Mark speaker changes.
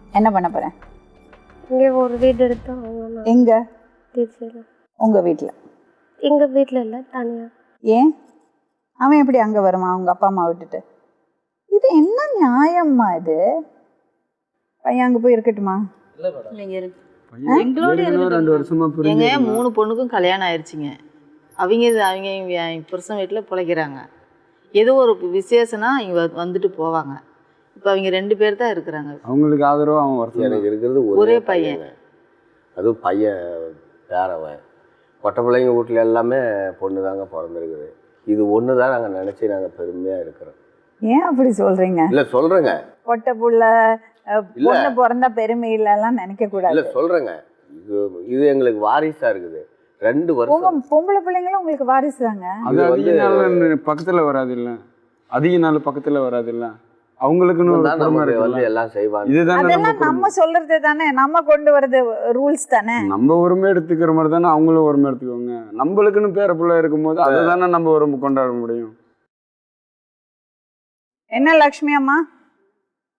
Speaker 1: என்ன பண்ண போகிறேன்?
Speaker 2: இங்கே ஒரு வீடு எடுத்து வாங்கணும்.
Speaker 1: எங்கே?
Speaker 2: திருச்சியில்.
Speaker 1: உங்கள் வீட்டில்?
Speaker 2: எங்கள் வீட்டில் இல்லை, தனியாக.
Speaker 1: ஏன் அவன் எப்படி அங்கே வருமா அவங்க அப்பா அம்மா விட்டுட்டு? இது என்ன நியாயம்மா இது? பையன் அங்கே போய் இருக்கட்டுமா?
Speaker 3: எங்களோட 2 வருஷமா எங்க 3 பொண்ணுக்கும் கல்யாணம் ஆயிடுச்சுங்க. அவங்க புருஷன் வீட்டில் பிழைக்கிறாங்க. ஏதோ ஒரு விசேஷம்னா இங்கே வந்துட்டு போவாங்க. இப்போ அவங்க 2 பேர் தான் இருக்கிறாங்க.
Speaker 4: அவங்களுக்கு ஆதரவாக அவன் வரது.
Speaker 5: எனக்கு இருக்கிறது
Speaker 3: ஒரே பையன்.
Speaker 5: அதுவும் பையன் பேரவன். பொட்டை பிள்ளைங்க வீட்டில் எல்லாமே பொண்ணு தாங்க பிறந்திருக்குது. இது ஒன்று தான் நாங்கள் நினச்சி நாங்கள் பெருமையாக இருக்கிறோம்.
Speaker 1: ஏன் அப்படி சொல்கிறீங்க?
Speaker 5: இல்லை சொல்கிறேங்க,
Speaker 1: பொட்டை புள்ள பொண்ணு பிறந்தா பெருமை இல்லைலாம் நினைக்க கூடாது.
Speaker 5: இல்லை சொல்கிறேங்க, இது எங்களுக்கு வாரிசாக இருக்குது. 2 வருஷம்
Speaker 1: பொம்பளை பிள்ளைங்களும் உங்களுக்கு வாரிசு தாங்க.
Speaker 4: அது அதிக நாள் பக்கத்தில் வராது இல்லை, அதிக நாள் பக்கத்தில் வராது இல்லை, அவங்களுக்குன்னு
Speaker 5: வந்து எல்லாம் செய்வாங்க.
Speaker 4: இதுதான்
Speaker 1: அதெல்லாம் நம்ம சொல்றது தானே, நம்ம கொண்டு வரது ரூல்ஸ் தானே.
Speaker 4: நம்ம உரிமை எடுத்துக்கிற மாதிரி தானே அவங்களும் உரிமை எடுத்துக்கோங்க. நம்மளுக்குன்னு பேர பிள்ளை இருக்கும்போது அதை தானே நம்ம உரிமை கொண்டாட முடியும்.
Speaker 1: என்ன லக்ஷ்மி அம்மா?